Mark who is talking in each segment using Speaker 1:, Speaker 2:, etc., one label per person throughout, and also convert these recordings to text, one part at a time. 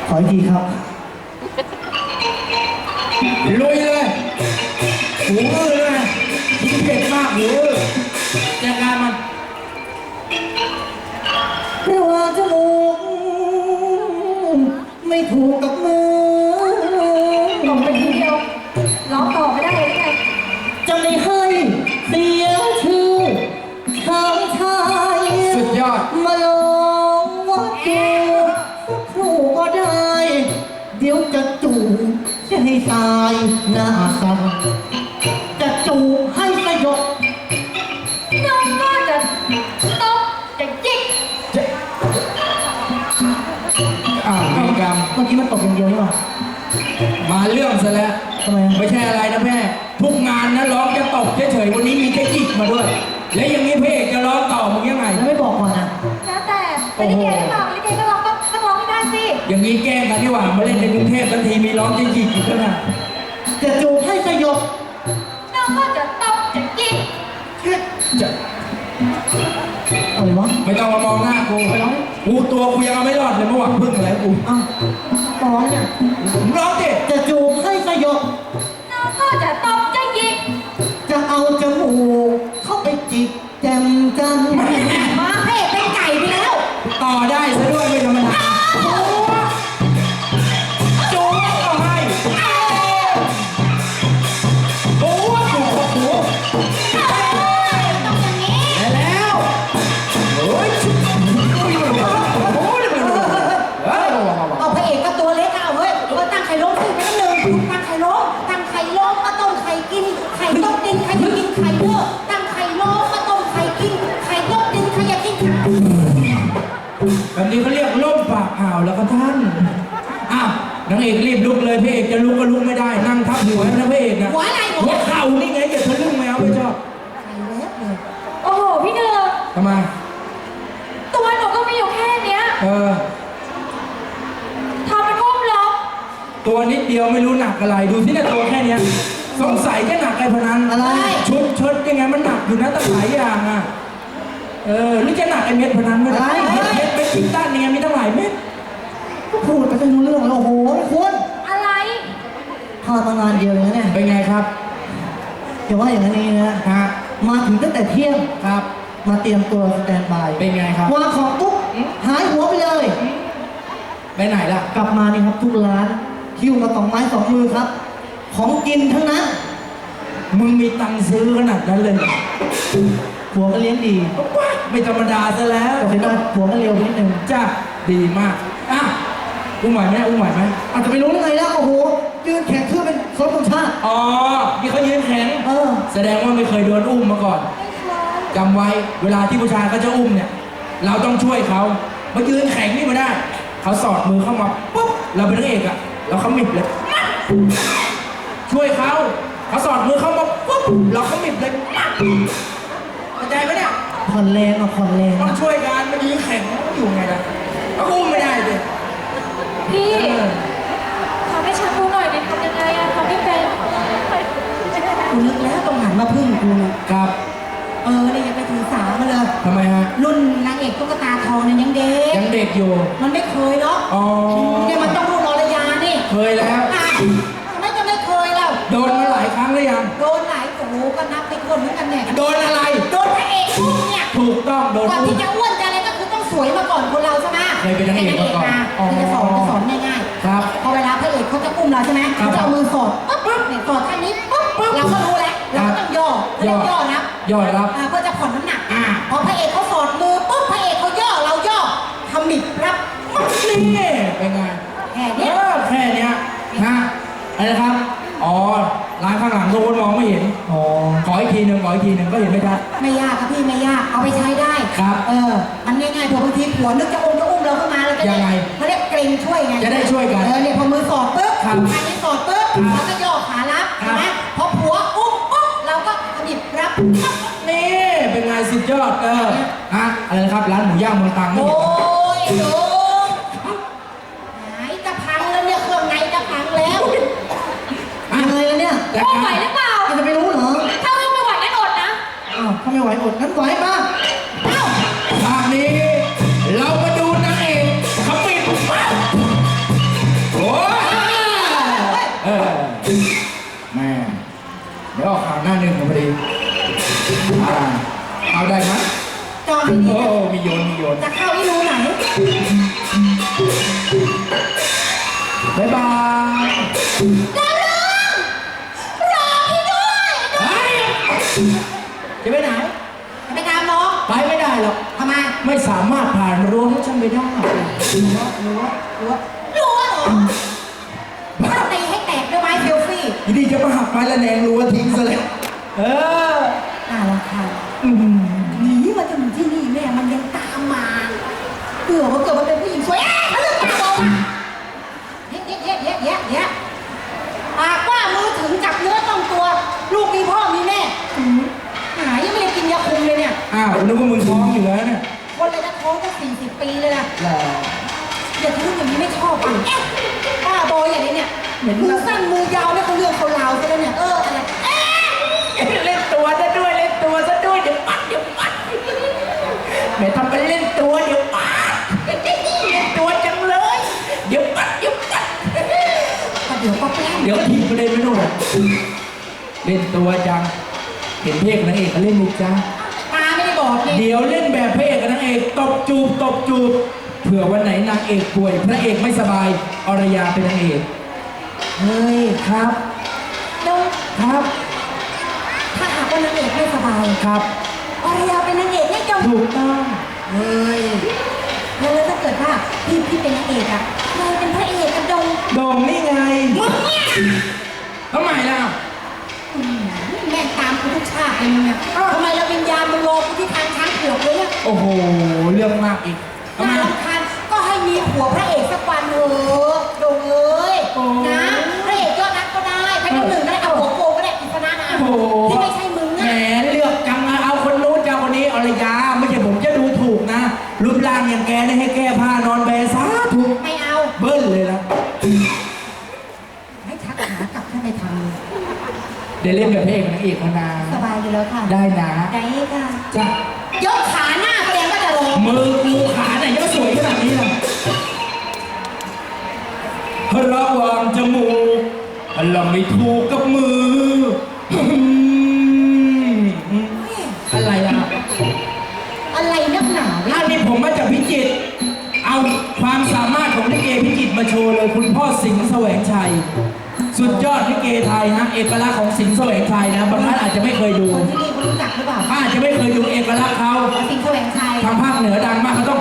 Speaker 1: ขออีกทีครับ
Speaker 2: ลุยเลยหูอื้อเลยยิ่งเผ็ดมากหูอื้อจัดการมัน
Speaker 1: ระหว่างจมูกไม่ถูกกับมือ
Speaker 3: ลงไปทีเดียวร้องต่อไม่ได้เลยไง
Speaker 1: จะไม่ให้เสียชื่อทางชาย
Speaker 2: สุดยอด
Speaker 1: มาลองว่าจูบครูก็ได้เดี๋ยวจะจูบจะให้ตายหน้าสั่นจะจูบให้สยบ
Speaker 3: น้องก็จะตบจะจิก
Speaker 2: มีกรรม
Speaker 1: เมื่อกี้มันตกอย่างเดียวนี่หว่า
Speaker 2: มาเรื่องซะแล้ว
Speaker 1: ทำไม
Speaker 2: ไม่ใช่อะไรนะแม่ทุกงานนะร้องจะตกเฉยๆวันนี้มีแค่จิกมาด้วยแล้วอย่างนี้พระเอกจะร้องต่อมึงยังไง
Speaker 1: แล้วไม่บอกก่อนนะ
Speaker 3: แล้วแต่ไม่ได้เกย์หรือเปล่าไม่ได้เกย์ก็ร้องต้องร้องให้ได้สิ
Speaker 2: อย่างนี้แกล้งกันที่หว่ามาเล่นในกรุงเทพทันทีมีร้องจะจิกอีกแล้วนะ
Speaker 1: จะจูบให้สยบ
Speaker 3: น้องก็จะตบจะจิก
Speaker 2: จะ
Speaker 1: อะไรวะ
Speaker 2: ไม่ต้องมามองหน้ากูกูตัวกูยังเอาไม่รอดเลยเมื่อวานพึ่งอะไรกู
Speaker 1: อ้าวร้องเนี่ย
Speaker 2: ร้องดิ
Speaker 1: จะจูบให้สยบ
Speaker 3: น้องก็จะตบจะจิก
Speaker 1: จะเอาจมูกเข้าไปจิกแจมจัน
Speaker 3: มาเพ่เป็นไก่ไปแล้ว
Speaker 2: ต่อได้ซะด้วยไม่ธรรมดาจูบเอาให้โอ้โหจูบโอ้โห
Speaker 3: ต้องอย่างนี้
Speaker 2: แล้วโอ้ยชุบ
Speaker 3: เอาพระเอกก็ตัวเล็กเอาเฮ้ยตั้งไข่ล้มสิไม่ต้องหนึ่งตั้งไข่ล้มตั้งไข่ล้มมาต้มไข่กินไข่ต้มดินใครจะกินไข่เยอะตั้งไข่ล้มมาต้มไข่กินไข่ต้มดินใครจะกินไข่
Speaker 2: แบบนี้เขาเรียกล่มปากอ่าวแล้วก็ท่านอ้าวนางเอกรีบลุกเลยพระเอกจะลุกก็ลุกไม่ได้นั่งทับหัวนะพระเอกนะ
Speaker 3: หัวอะไร
Speaker 2: หัวเข่านี่ไงอย่าทะลึ่งแมวไม่ชอบ
Speaker 3: ไข่เล็บเลยโอ้โหพี่เนือ
Speaker 2: ทำไม
Speaker 3: ตัวหนูก็มีอยู่แค่เนี้ยทำเป็นอุ้มล็อก
Speaker 2: ตัวนิดเดียวไม่รู้หนักอะไรดูที่เนี่ยตัวแค่เนี้ยสงสัยจะหนักไอ้พนัน
Speaker 1: อะไร
Speaker 2: ชุดเชิดยังไงมันหนักอยู่นะตั้งหลายอย่างอ่ะนี่จะหนักไอ้เม็ดพนันไม่ได้เม็ดเป็นชิ้นด้านยังไงมีตั้งหลายเม็ด
Speaker 1: ก็พูดไปจะรู้เรื่องแล้วโอ้โหคุณ
Speaker 3: อะไร
Speaker 1: พามางานเดียวเลยเนี่ย
Speaker 2: เป็นไงครับ
Speaker 1: อย่าว่าอย่างนี้นะ
Speaker 2: ฮะ
Speaker 1: มาถึงตั้งแต่เที่ยง
Speaker 2: ครับ
Speaker 1: มาเตรียมตัวสแตนบาย
Speaker 2: เป็นไงครับ
Speaker 1: วางของปุ๊บหายหัวไปเลย
Speaker 2: ไปไหนล่ะ
Speaker 1: กลับมานี่ครับทุกร้านคิวมา2 ไม้ 2 มือครับของกินทั้งนั้น
Speaker 2: มึงมีตังค์ซื้อขนาดนั้นเลย
Speaker 1: ผัวก็เลี้ยงดี
Speaker 2: ไม่ธรรมดาซะแล้ว
Speaker 1: แต่ว่าผัวก็เร็วนิดนึง
Speaker 2: จ้าดีมากอุ้มไหวไหมอุ้มไหวไหม
Speaker 1: อาจจะไม่รู้ได้ไงแล้วโอ้โหยืนแข่งคือเป็นครบธงชาติ
Speaker 2: อ๋อนี่เขายืนแข็งแสดงว่าไม่เคยโดนอุ้มมาก่อนจำไว้เวลาที่ผู้ชายเขาจะอุ้มเนี่ยเราต้องช่วยเขามายืนแข็งนี่มาได้เขาสอดมือเข้ามาปุ๊บเราเป็นนางเอกอะเราขมิบเลยช่วยเขาสอดมือเข้ามาปุ๊บเราขมิบเลยเข้าใจไหมเนี่ย
Speaker 1: ผ่อนแรงผ่อนแรง
Speaker 2: ต้องช่วยกันมันยืนแข็งอยู่ไงล่ะเขาอุ้มไม่ได้เลย
Speaker 3: พี่ทำให้ฉันรู้หน่อยดิทำยังไงอะทำไม่เป็น
Speaker 1: กูนึกแล้วต้องหันมาพึ่งกู
Speaker 2: ครับ
Speaker 1: นี่ยังไปถือสามาเลย
Speaker 2: ทำไมฮะ
Speaker 1: รุ่นนางเอกตุ๊กตาทองเนี่ยยังเ
Speaker 2: ด็กอยู่
Speaker 1: มันไม่เคยเนาะเนี่ยมันต้องรู้รอยยานี่
Speaker 2: เคยแล้ว
Speaker 1: ไม่จะไม่เคยแล้ว
Speaker 2: โดนมาหลายครั้งหรือยัง
Speaker 1: โดนหลายโอ้โหก็นับไปคนเหมือนกันเนี่ย
Speaker 2: โดนอะไร
Speaker 1: โดนพระเอกอุ้มเนี่ย
Speaker 2: ถูกต้องโดน
Speaker 1: ก่อนที่จะอ้วนจะอะไรก็คือต้องสวยมาก่อนคนเราใช่ไหม
Speaker 2: เคยเป็นนางเอกมาก่อน
Speaker 1: จะสอนง่าย
Speaker 2: ๆครับ
Speaker 1: พอเวลาพระเอกเขาจะอุ้มเราใช่ไหมเขาจะเอามือสอดปุ๊บเนี่ยสอดแค่นี้ปุ๊บเราก็รู้แล้วเราก็ต้องย่อนะ
Speaker 2: ย่อรับ
Speaker 1: เพื่อจะผ่อนน้ำหนักพอพระเอกเขาสอดมือปุ๊บพระเอกเขาย่อเราย่อทำหมิบรับ
Speaker 2: นี่เป็นไง
Speaker 1: แค่นี้
Speaker 2: นะอะไรนะครับอ๋อร้านข้างหลังทุกคนมองไม่เห็นขออีกทีหนึ่งก็เห็นไม่ชัด
Speaker 1: ไม่ยากครับพี่ไม่ยากเอาไปใช้ได้
Speaker 2: ครับ
Speaker 1: มันง่ายๆพอบางทีผัวนึกจะอุ้มเราขึ้นมาเราจะ
Speaker 2: ยังไง
Speaker 1: เขาเรียกเกรงช่วยไง
Speaker 2: จะได้ช่วยกัน
Speaker 1: เนี่ยพอมือสอดปุ๊บอันนี้สอดปุ๊บเราก็ย่อขารับใช่ไหมพอผัวอุ้มปุ๊บเราก็หยิบรับ
Speaker 2: นี่เป็นไงสุดยอดอะไรนะครับร้านหมูย่างเมืองตรังนี่
Speaker 1: โอ้ยโดนไหนจะพังแล้วเนี่ยเครื่องในจะพังแล้วอะไรแล้วเนี่ย
Speaker 3: ไหวหรือเปล่า
Speaker 1: จะไปรู้เหรอ
Speaker 3: ถ้าไม่ไหวงั้นอดนะ
Speaker 1: ถ้าไม่ไหวอดงั้นไหวมา
Speaker 2: ภาคนี้เรามาดูนางเอกขมิบบ๊ายบาย
Speaker 3: ดาวเรืองรอพี่ด้วย
Speaker 2: เฮ้ยจะไปไหน
Speaker 3: จะไปตามน้อง
Speaker 2: ไปไม่ได้หรอก
Speaker 3: ทำไม
Speaker 2: ไม่สามารถผ่านรั้วของฉันไปได้
Speaker 3: รู้เหรอถ้าตีให้แตกด้วยไม้เซลฟี่
Speaker 2: ทีนี้จะมาหักไม้ละแนงรั้วทิ้งซะแล้วเออ
Speaker 3: น่ารำคาญหนีมาจนถึงที่นี่แม่มันยังตามมาเผื่อว่าเกิดมันเป็นผู้หญิงสวยทะลึ่งตาโตมาเยะปากว่ามือถึงจับเนื้อต้องตัว ลูกมีพ่อมีแม่หายังไม่ได้กินยาคุมเลยเนี่ย
Speaker 2: อ้าวนึกว่ามึงท้องอยู่แล้วเนี่ย
Speaker 3: คนเลยจะท้องจะ40 ปีเลยนะ
Speaker 2: แหละ
Speaker 3: อย่าทะลึ่งอย่างนี้ไม่ชอบอ่ะป้าบอยอย่างนี้เนี่ยมือสั้นมือยาวเนี่ยเขาเรื่องเขาราวซะแล้วเนี่ยอะไร
Speaker 2: เล่นตัวซะด้วยเล่นตัวซะด้วยเดี๋ยวปัดแม่ทำเป็นเล่นตัวเดี๋ยวปัดเล่นตัวจังเลยเดี๋ยวปัด
Speaker 3: เดี๋ยวก็แปล้ง
Speaker 2: เดี๋ยวทีประเด็นไม่นู่นเล่นตัวจังเห็นเพลงนางเอกเขาเล่นไหมจ๊ะ
Speaker 3: ตาไม่ได้บอกนี่
Speaker 2: เดี๋ยวเล่นแบบพระเอกกับนางเอกตบจูบเผื่อวันไหนนางเอกป่วยพระเอกไม่สบายอรยาเป็นนางเอกเฮ้ยครับ
Speaker 3: แล้ว
Speaker 2: ครับ
Speaker 3: ถ้าหากว่านางเอกไม่สบาย
Speaker 2: ครับ
Speaker 3: อารยาเป็นนางเอกให้จง
Speaker 2: ถูกต้อง
Speaker 3: เฮ้ยแล้วถ้าเกิดว่าพี่เป็นนางเอกอะใครเป็นพระเอกกับดง
Speaker 2: โด่งนี่ไง
Speaker 3: มึงเนี่ย
Speaker 2: ทำไมล่ะ
Speaker 3: แม่งตามกูทุกชาติเลยมึงเนี่ยทำไมเราวิญญาณมึงรอกูที่ทางช้างเผือกเลยเนี่ย
Speaker 2: โอ้โหเรื่องมากอีกทำไม
Speaker 3: น่ารำคาญก็ให้มีผัวพระเอกสักวันเถอะดงเอ้ย
Speaker 2: โอ้
Speaker 3: นะพระเอกยอดนักก็ได้พระเจ้าหนึ่งก็ได้เอาหัวโกก็ได้อิสระนะ
Speaker 2: โอ้โห
Speaker 3: ที่ไม่ใช่มึง
Speaker 2: แหม
Speaker 3: อะ
Speaker 2: เลือกจังนะเอาคนนู้นจะเอาคนนี้อรยาไม่ใช่ผมจะดูถูกนะรูปร่างอย่างแกเนี่ยให้แก้ผ้านอนแบซาถูก
Speaker 3: ไม่เอา
Speaker 2: เบิ้ลเลยนะ
Speaker 3: ให้ชักขากลับถ้าไม่ทำ
Speaker 2: เดี๋ยวเล่นแบบพระเอกกับนางเอกมานา
Speaker 3: สบายอยู่แล้วค่ะ
Speaker 2: ได้นะ
Speaker 3: ได้ค่ะ
Speaker 2: จ้ะ
Speaker 3: ยกขาหน้าแสดงว่าจะลง
Speaker 2: มือกูขาไหนยังสวยขนาดนี้ล่ะระหว่างจมูกเราไม่ถูกกับมืออะไรล่ะ
Speaker 3: อะไรนักหนา
Speaker 2: อันนี้ผมมาจากพิจิตรเอาความสามารถของลิเกพิจิตรมาโชว์เลยคุณพ่อสิงห์แสวงชัย สุดยอดลิเกไทยฮะเอกลักษณ์ของสิงห์แสวงชัยนะบางท่านอาจจะไม่เคยดู
Speaker 3: คนที่นี่คุณรู้จักหรือเปล่า
Speaker 2: อาจจะไม่เคยดูเอกลักษณ์เขา
Speaker 3: สิงห์แสวงชัย
Speaker 2: ทางภาคเหนือดังมากเขาต้อง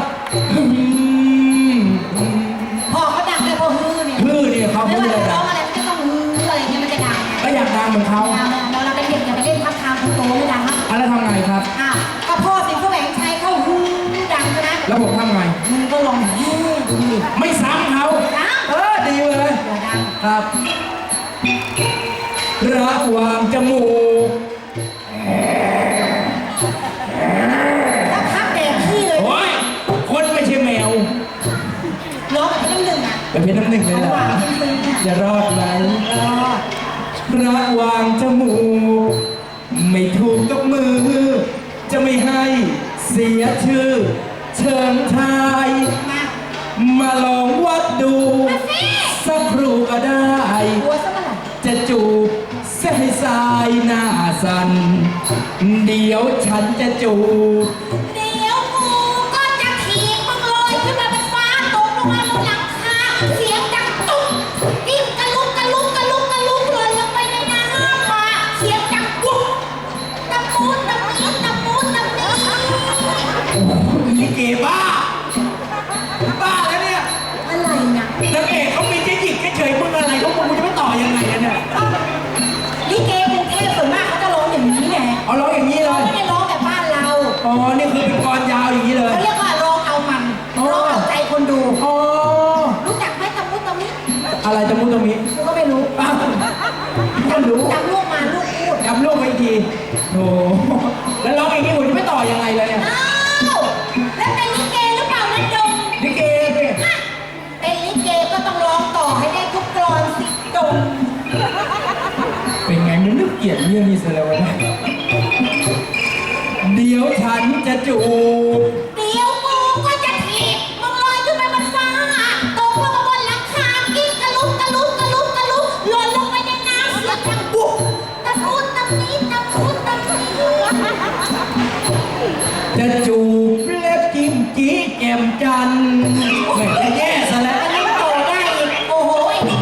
Speaker 3: พอเขาดังเลยพอฮือเนี่ย
Speaker 2: ฮือเนี่ยเขา
Speaker 3: ไม่
Speaker 2: ไม่
Speaker 3: ว่า
Speaker 2: ได้
Speaker 3: จะร้
Speaker 2: ดั
Speaker 3: อง
Speaker 2: ง
Speaker 3: อะไรก็ต้องฮืออะไรเงี้ยมันจะดัง
Speaker 2: ก็อยากดังเหมือนเขา
Speaker 3: เราเป็นเด็กอย่าไปเล่นทับทางคนโตไม่ดังครับ
Speaker 2: แล้วทำไงครับ
Speaker 3: อ้าวก็พ่อสิงห์แสวงชัยเขาฮือดังใช่ไหม
Speaker 2: แล้วผมทำไง
Speaker 3: มึงก็ลองเฮ้ยดูดิ
Speaker 2: ไม่ซ้ำเขา
Speaker 3: ดัง
Speaker 2: ดีเลย
Speaker 3: อย่าดัง
Speaker 2: ครับระหว่างจมูก
Speaker 3: แล้วพักแดกขี้เลย
Speaker 2: โอ้ยคนไม่ใช่แมว
Speaker 3: ร้องแบบเป็นหนึ่งอ่ะ
Speaker 2: ไปเป็นน้ำหนึ่งเลย
Speaker 3: ระ
Speaker 2: เหร
Speaker 3: ห
Speaker 2: อ
Speaker 3: ว่างซึ้งๆเนี่ย
Speaker 2: จะรอดไหม
Speaker 3: รอด
Speaker 2: ระหว่างจมูก ไม่ถูกกับมือ จะไม่ให้เสียชื่อ เชิงชาย
Speaker 3: มา
Speaker 2: มาลองวัดดู สักครู่ก็ได้
Speaker 3: หัวซะเมื่อไหร่
Speaker 2: จะจูบเส้นสายหน้าสัน เดี๋ยวฉันจะจูบ
Speaker 3: เดี๋ยวกูก็จะถีบมึงลอยขึ้นมาเป็นฟ้าตกลงมาบนหลังคาเสียงดังตุ้มกิ้งกะลุกกะลุกกะลุกกะลุกเลยลงไปในน้ำมาเสียงดังปุ๊บตะปูตะมีตะปูตะมี
Speaker 2: ลิเกบ้า บ้าแล้วเนี่ย
Speaker 3: อะไรนะ
Speaker 2: นางเอกเขามีเจ๊หญิงเฉยๆมึงอะไรเขามึงจะไม่ต่อยังไงอะเนี่ย
Speaker 3: ลิเกกรุงเทพส่วนมากเขาจะร้องอย่างนี้ไง
Speaker 2: เอาร้องอย่างนี้เล
Speaker 3: เขา
Speaker 2: ย
Speaker 3: ไม่ได้ร้องแบบบ้านเรา
Speaker 2: อ๋อ นี่คือเป็นกรยาวอย่างนี้เลย
Speaker 3: เขาเรียกว่าร้องเอามันร้องเอาใจคนดู
Speaker 2: อ๋อ
Speaker 3: รู้จักไหมตะมุตะมิ
Speaker 2: อะไรจะมุตะมิ
Speaker 3: กูก็ไม่รู้
Speaker 2: อ้าวก็รู้
Speaker 3: จำลูกมาลูกพูด
Speaker 2: จำลูกไว้อีกทีโอ้แล้วร้องอย่างนี้ผมจะไม่ต่อยังไงเลยเนี่ย
Speaker 3: อ้าวแล้วเป็นลิเกหรือเปล่านั่นดง
Speaker 2: ลิเกสิ
Speaker 3: เป็นลิเกก็ต้องร้องต่อให้ได้ทุกกรอนสิดง
Speaker 2: เป็นไงมันนึกเกลียดเรื่องนี้ซะแล้ววะเนี่ยเดี๋ยวฉันจะจูบ
Speaker 3: เดี๋ยวกูก็จะถีบมึงลอยขึ้นไปบนฟ้าตกลงมาบนหลังคากิ้งกะลุกกะลุกกะลุกกะลุกหล่นลงไปในน้ำเสียงดังปุ๊บตะพูดตะมีตะพูดตะมี
Speaker 2: จะจูบเล็บจิ้มจี้แจ่มจันทร์ไม่จะแย่ซะแล้ว
Speaker 3: อันนี้ต่อได้อีกโอ้โหไอ้นี่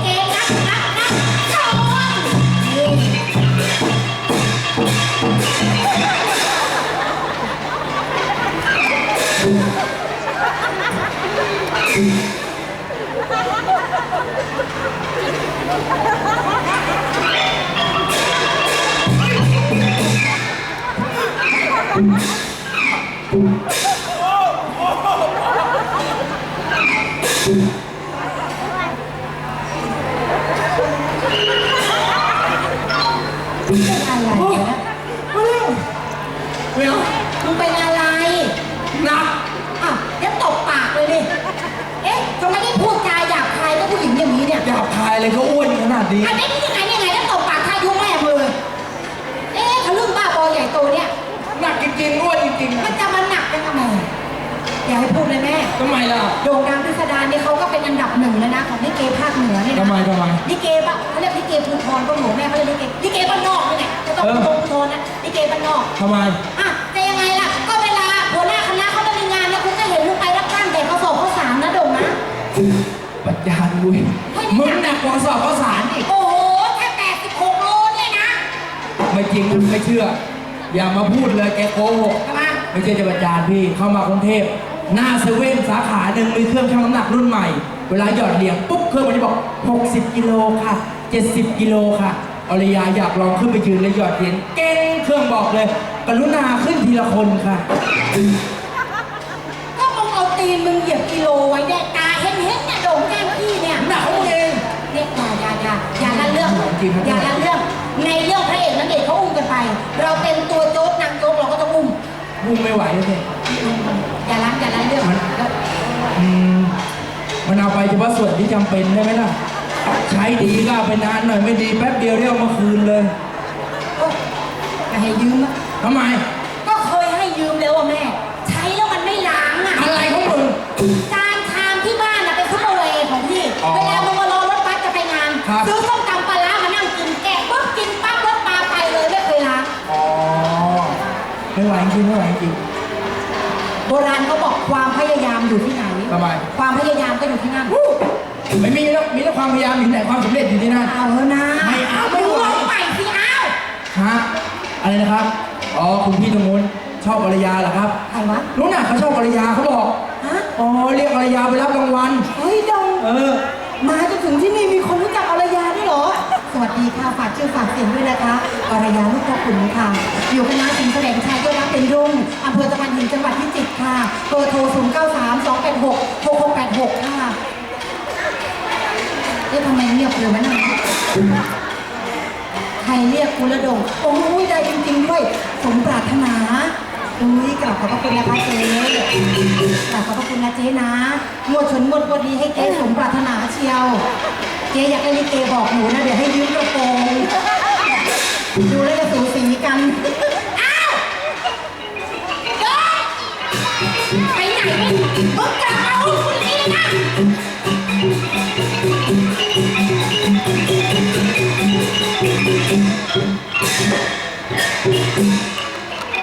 Speaker 3: เป็นอะไรเนี่ย
Speaker 2: ไม่เอา
Speaker 3: มึงเป็นอะไร
Speaker 2: หนัก
Speaker 3: อ่ะงั้นตบปากเลยดิเอ๊ะทำไมได้พูดจาหยาบคายกับผู้หญิงอย่างนี้เนี่ย
Speaker 2: หยาบคายเลยก็อ้วนขนาดนี้
Speaker 3: อันนี้ยังไงแล้วตบปากทายุแม่มือเอ๊ะทะลึ่งบ้าบอใหญ่โตเนี่ย
Speaker 2: หนักจริงๆอ้วนจริงๆ
Speaker 3: มั
Speaker 2: อะ
Speaker 3: นจะมาหนักกันทำไมอย่าให้พูดเลยแม่
Speaker 2: ทำไมล่ะ
Speaker 3: โด่งดังพิสดารนี่เขาก็เป็นอันดับหนึ่งแล้วนะของลิเกภาคเหนือเนี่ยนะ
Speaker 2: ทำไม
Speaker 3: ลิเกปะเขาเรียกลิเกภูธรก็หนูแม่เขาเรียกลิเกบ้านนอกนี่แหละจะต้องภูธรนะลิเกบ้านนอก
Speaker 2: ทำไม
Speaker 3: อ่ะจะยังไงล่ะก็เวลาหัวหน้าคณะเขาจะมีงานเนี่ยคุณจะเห็นลูกไปรับจ้างแต่เขาสอบข้าวสารนะโด่งนะ
Speaker 2: ปัญญาดุยมึงหนักกว่าสอบข้าวสารอีก
Speaker 3: โอ้โหแค่86 โลเนี่ยนะ
Speaker 2: ไม่จริงไม่เชื่อ อย่ามาพูดเลยแกโกหก
Speaker 3: ทำไม
Speaker 2: ไม่ใช่จะประจานพี่เข้ามากรุงเทพหน้าเซเว่นสาขาหนึ่งมีเครื่องชั่งน้ำหนักรุ่นใหม่ เวลาหยอดเหรียญปุ๊บเครื่องมันจะบอก 60 กิโลค่ะ 70 กิโลค่ะอรยาอยากลองขึ้นไปยืนและหยอดเหรียญเก่งเครื่องบอกเลย กรุณาขึ้นทีละคนค่ะ
Speaker 3: ก็มึงเอาตีนมึงเหยียบกิโลไว้เนี่ยตาเห็นเนี่ยโด่งแก้มพี่เนี่ย
Speaker 2: หนักของมึงเอง
Speaker 3: เนี่ยอย่าละเรื่อง
Speaker 2: จริงครับ
Speaker 3: อย่าละเรื่องในเรื่องพระเอกนางเอกเขาอุ้มกันไป เราเป็นตัวโจ๊กนางโจ๊กเราก็ต้องอุ้ม
Speaker 2: มึงไม่ไหวเลย
Speaker 3: อย่าละเรื่อง
Speaker 2: อืมมันเอาไปเฉพาะส่วนที่จำเป็นได้ไหมล่ะ ใช้ดีก็เอาไปนานหน่อยไม่ดีแป๊บเดียวเรียกเอามาคืนเลย
Speaker 3: โอ๊ยอย่าให้ยืมอะ
Speaker 2: ทำไม
Speaker 3: ก็เคยให้ยืมแล้วอะแม่ ใช้แล้วมันไม่ล้างอะ
Speaker 2: อะไรของมึง
Speaker 3: จานชามที่บ้านอะเป็นซุปเปอร์เวย์ของพี่
Speaker 2: อ๋อ
Speaker 3: เวลามึงมารอรถบัสจะไปงาน
Speaker 2: ครับ
Speaker 3: ซื้อส้มตำปลาร้ามานั่งกินแกะปุ๊บกินปั๊บรถปลาไปเลยไม่เคยล้าง
Speaker 2: อ๋อไม่ไหวจริงไม่ไหวจริง
Speaker 3: โบราณเขาบอกความพยายามอยู่ที่ไหน
Speaker 2: ทำไม
Speaker 3: ความพยายามก็อยู่ที่นั่น
Speaker 2: ไม่มีแล้วมีแต่ความพยายามอยู่ที่ไหนความสำเร็จอยู่ที่นั่น
Speaker 3: เอาเถอะนะ
Speaker 2: ไม่เอาไม่
Speaker 3: ดู
Speaker 2: ไหว
Speaker 3: ลงใหม่สิเอา
Speaker 2: ฮะอะไรนะครับ อ๋อคุณพี่ตรงนู้นชอบภรรยาเหรอครับ
Speaker 3: ใครวะ
Speaker 2: นู้นน่ะเขาชอบภรรยาเขาบอก
Speaker 3: ฮะ
Speaker 2: อ๋อเรียกภรรยาไปรับรางวัล
Speaker 3: เฮ้ยดง
Speaker 2: เออ
Speaker 3: มาจนถึงที่นี่มีคนรู้จักอรยาด้วยเหรอ สวัสดีค่ะฝากชื่อฝากเสียงด้วยนะคะอรยาลูกพ่อขุนค่ะ อยู่คณะสิงห์แสดงชัยก็รักเป็นรุ่งอำเภอตะพานหินจังหวัดพิจิตรค่ะเบอร์โทร 0932866686 ค่ะเอ๊ะทำไมเงียบเลยวะเนี่ยใครเรียกกูละดงโอ้ยได้จริงๆด้วย สมปรารถนาอุ้ยกลับขอบพระคุณนะคะเจ๊กลับขอบพระคุณนะเจ๊นะงวดชนงวดวันนี้ให้เจ๊สมปรารถนาเชียว เจ๊อยากให้ลิเกบอกหนูนะเดี๋ยวให้ยืมกระโปรงดูแล้วจะสูสีกัน อ้าวเจ๊ไปไหนมึงกลับมาอุ้มคนนี้เลยนะ